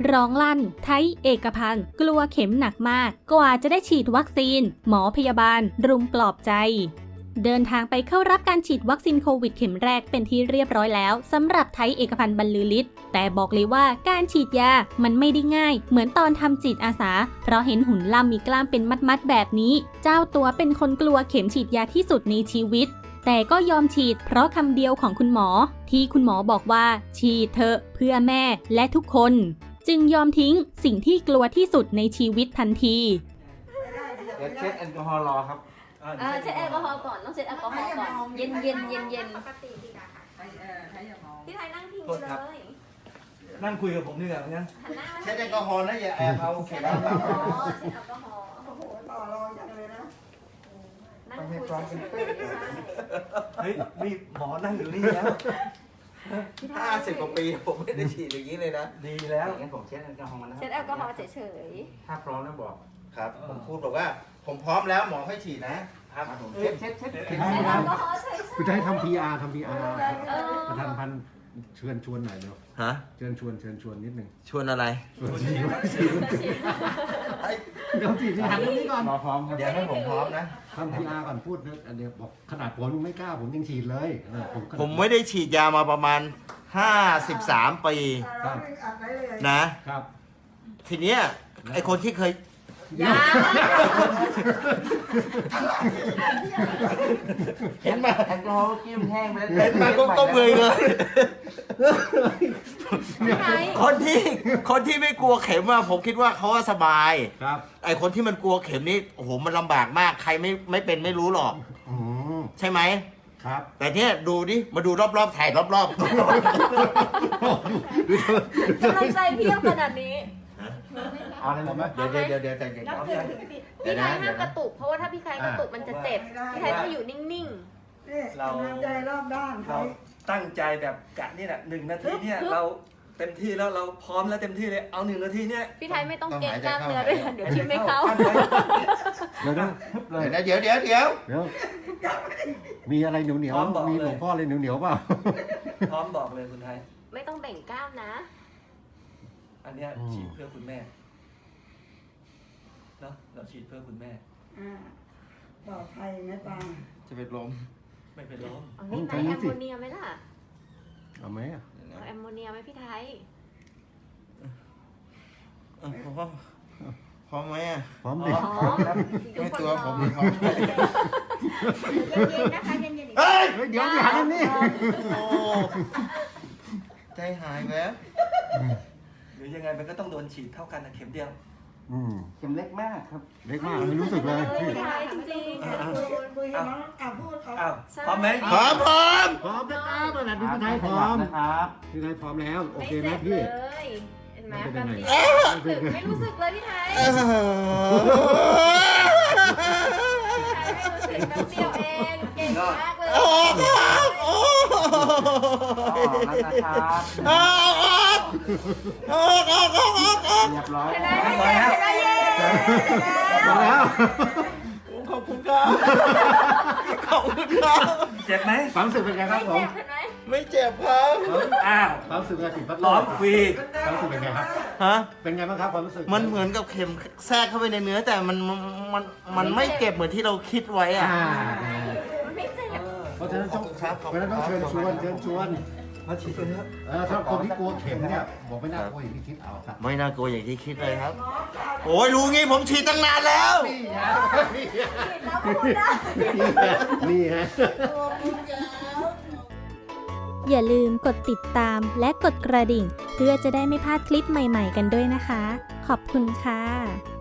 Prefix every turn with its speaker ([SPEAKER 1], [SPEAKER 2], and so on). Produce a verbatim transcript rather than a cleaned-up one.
[SPEAKER 1] ร้องลั่นไทยเอกพันธ์กลัวเข็มหนักมากกว่าจะได้ฉีดวัคซีนหมอพยาบาลรุมปลอบใจเดินทางไปเข้ารับการฉีดวัคซีนโควิดเข็มแรกเป็นที่เรียบร้อยแล้วสำหรับไทยเอกพันธ์บรรลือฤทธิ์แต่บอกเลยว่าการฉีดยามันไม่ได้ง่ายเหมือนตอนทำจิตอาสาเพราะเห็นหุ่นล่ำมีกล้ามเป็นมัดๆแบบนี้เจ้าตัวเป็นคนกลัวเข็มฉีดยาที่สุดในชีวิตแต่ก็ยอมฉีดเพราะคำเดียวของคุณหมอที่คุณหมอบอกว่าฉีดเถอะเพื่อแม่และทุกคนจึงยอมทิ้งสิ่งที่กลัวที่สุดในชีวิตทันที
[SPEAKER 2] เดี๋ยวเช็ดแอลกอฮอล์รอครับ
[SPEAKER 3] เออเช็ดแอลกอฮอล์ก่อนต้องเช็ดแอลกอฮอล์ก่อนเย็นเย็นเย็นเย็นพี่ไทยนั่งพิงเลย
[SPEAKER 2] นั่งคุยกับผมดีกว่างั้น
[SPEAKER 3] เช็
[SPEAKER 2] ดแอลกอฮอล์นะอย่าแอบเอาเข็มเอา
[SPEAKER 3] เช็ดแอลกอฮอล์
[SPEAKER 4] โอ้โหต่อรองอย่างเลยนะ
[SPEAKER 3] นั่งคุยเฉยๆ
[SPEAKER 2] เฮ้ยมีหมอนั่งอยู่นี่แล้ว
[SPEAKER 5] ห้าสิบกว่าปีผมไม่ได้ฉีดอย่างนี้เลยนะ
[SPEAKER 2] ดีแล้ว
[SPEAKER 5] งั้นผมเช็ดแอลกอฮอล์นะ
[SPEAKER 3] เช็ดแอลกอฮอล์เฉย
[SPEAKER 2] ๆถ้าพร้อมแล้วบอก
[SPEAKER 5] ครับผมพูดบอกว่าผมพร้อมแล้วหมอให้ฉีดนะครับผมเช็ดเช็ดเช็ดเช็ด
[SPEAKER 3] แอลกอฮอล์เฉยๆ
[SPEAKER 6] คุณจะให้ทำ พี อาร์ ทำ พี อาร์ ประธานพันธ์เชิญชวนหน่อยเนาะ
[SPEAKER 5] ฮะ
[SPEAKER 6] เชิญชวนเชิญชวนนิดนึง
[SPEAKER 5] ชวนอะไร
[SPEAKER 6] ชวนฉีดเดี๋ยวฉีดที่หันนี้ก่อน
[SPEAKER 2] หมอพร้อมครับ
[SPEAKER 5] เดี๋ยวให้ผมพร้อมนะ
[SPEAKER 6] ทำ พี อาร์ ก่อนพูดนะอันเดียวบอกขนาดผมไม่กล้าผมยังฉีดเลย
[SPEAKER 5] ผมไม่ได้ฉีดยามาประมาณห้าสิบสามปีนะครับทีเนี้ยไอคนที่เคย
[SPEAKER 3] ยา
[SPEAKER 5] เห็นมาแอลกอฮอล์กิ้มแห้งไปแล้วเห็นมาก็ก็เบื่อเลยคนที่คนที่ไม่กลัวเข็มอะผมคิดว่าเขาสบาย
[SPEAKER 6] ครับ
[SPEAKER 5] ไอคนที่มันกลัวเข็มนี่โอ้โหมันลำบากมากใครไม่ไม่เป็นไม่รู้หรอกใช่ไหม
[SPEAKER 6] ครับ
[SPEAKER 5] แต่เนี้ยดูดิมาดูรอบๆถ่ายรอบๆ
[SPEAKER 3] กำลังใจเพียบขนาดนี้
[SPEAKER 2] เอาอะไรมา
[SPEAKER 5] เดี๋ยวเดี๋ยวเดี๋ยวเดี๋ยวใจเย็น
[SPEAKER 3] นับถึงถึงสิพี่ไทยห้ามกระตุกเพราะว่าถ้าพี่ไทยกระตุกมันจะเจ็บพี่ไทยต้องอยู่นิ่ง
[SPEAKER 4] ๆเราใจรอบด้าน
[SPEAKER 2] เราตั้งใจแบบกะนี่แหละหนึ่งนาทีเนี่ยเราเต็มที่แล้วเราพร้อมแล้วเต็มที่เลยเอาหนึ่งนาทีเนี่ย
[SPEAKER 3] พี่ไทยไม่ต้องเก่งกล้ามเนื้อด้วยเดี๋ยวชิมไม่เข้า
[SPEAKER 6] เดี๋ยวนะ
[SPEAKER 5] เดี๋ยวเดี๋ยวเดี๋ยว
[SPEAKER 6] เดี๋ยวมีอะไรเหนียวเหนียวมีหลวงพ่ออะไรเหนียวเหนียวเปล่า
[SPEAKER 2] พร้อมบอกเลยคุณไทย
[SPEAKER 3] ไม่ต้องแบ่งกล้ามนะ
[SPEAKER 2] อันเนี้ยฉีดเพื่อคุณแม่เนาะเราฉีดเพื่อคุณแม่
[SPEAKER 4] อ่าปลอดภัยไม่ปัง
[SPEAKER 5] จะเป็นลม
[SPEAKER 2] ไม่เป็นลม
[SPEAKER 3] เอานี่ไหมแอมโมเนียไหมล่ะ
[SPEAKER 6] เอาไหม
[SPEAKER 3] เอาแอมโมเนียไหมพี่ไทย
[SPEAKER 5] พร้อมพร้อมไหมอ่ะ
[SPEAKER 6] พร้อมดิ
[SPEAKER 5] ไม่ตัวผมพร้อมเ
[SPEAKER 3] ย็นๆนะคะเย็นๆ
[SPEAKER 5] เฮ้ย
[SPEAKER 6] เดี๋ยวหันนี่
[SPEAKER 5] ใจหายแล้ว
[SPEAKER 2] หรือยังไงมันก็ต้องโดนฉีดเท่ากันนะเข็มเดียว
[SPEAKER 5] เข็มเล็กมากครับ
[SPEAKER 6] เล็กมากไม่รู้สึกเลย
[SPEAKER 3] พี่ไทยจริงๆ
[SPEAKER 4] อ่ะพูด
[SPEAKER 2] อ้าวพร้อมไหม
[SPEAKER 5] พร้อมพร้อม
[SPEAKER 6] พร้อมนะครับตอนนี้พี่ไทยพร้อมนะครับพี่ไทยพร้อมแล้วโอเคไหมพี่
[SPEAKER 3] เห็นไหมแบบนี้ไม่รู้สึกเลยพี่ไทยพี่ไทยไม่รู้สึกแป๊บเดียวเองเก่งมากเลย
[SPEAKER 5] ออกออก
[SPEAKER 2] แล้วนะครับ
[SPEAKER 5] ออกออกออกออกออกออกออก
[SPEAKER 2] เรียบร้อย
[SPEAKER 3] เห็นไหมไม่เจ็บเห็นไหมเย้
[SPEAKER 6] มาแล้ว
[SPEAKER 5] ขอบคุณครับขอบคุณครับ
[SPEAKER 2] เจ็บไหม
[SPEAKER 6] ความรู้สึกเป็นไงครับผม
[SPEAKER 5] ไม่เจ็บครับ
[SPEAKER 2] อ้าว
[SPEAKER 6] ความรู้สึกเป็นไงผิดพัด
[SPEAKER 2] ร้อนฟรี
[SPEAKER 6] ความรู้สึกเป็นไงครับ
[SPEAKER 5] ฮะ
[SPEAKER 6] เป็นไงบ้างครับความรู้สึก
[SPEAKER 5] มันเหมือนกับเข็มแทรกเข้าไปในเนื้อแต่มันมันมันไม่เจ็บเหมือนที่เราคิดไว้อ่ะ
[SPEAKER 3] มันไม่เจ็บ
[SPEAKER 6] เพราะฉะนั้นต้องเพราะฉะนั้นต้องเชิญชวนเชิญชวน
[SPEAKER 2] มาฉีดกันเถอะ
[SPEAKER 6] ถ้าคนที่กลัวเข็มเนี่ยบอกไม่น่ากลัวอย่างที่คิดเอาครับ
[SPEAKER 5] ไม่น่ากลัวอย่างที่คิดเลยครับโอ้ยรู้งี้ผมฉีดตั้งนานแล้ว
[SPEAKER 6] นี่ฮะ
[SPEAKER 1] อย่าลืมกดติดตามและกดกระดิ่งเพื่อจะได้ไม่พลาดคลิปใหม่ๆกันด้วยนะคะขอบคุณค่ะ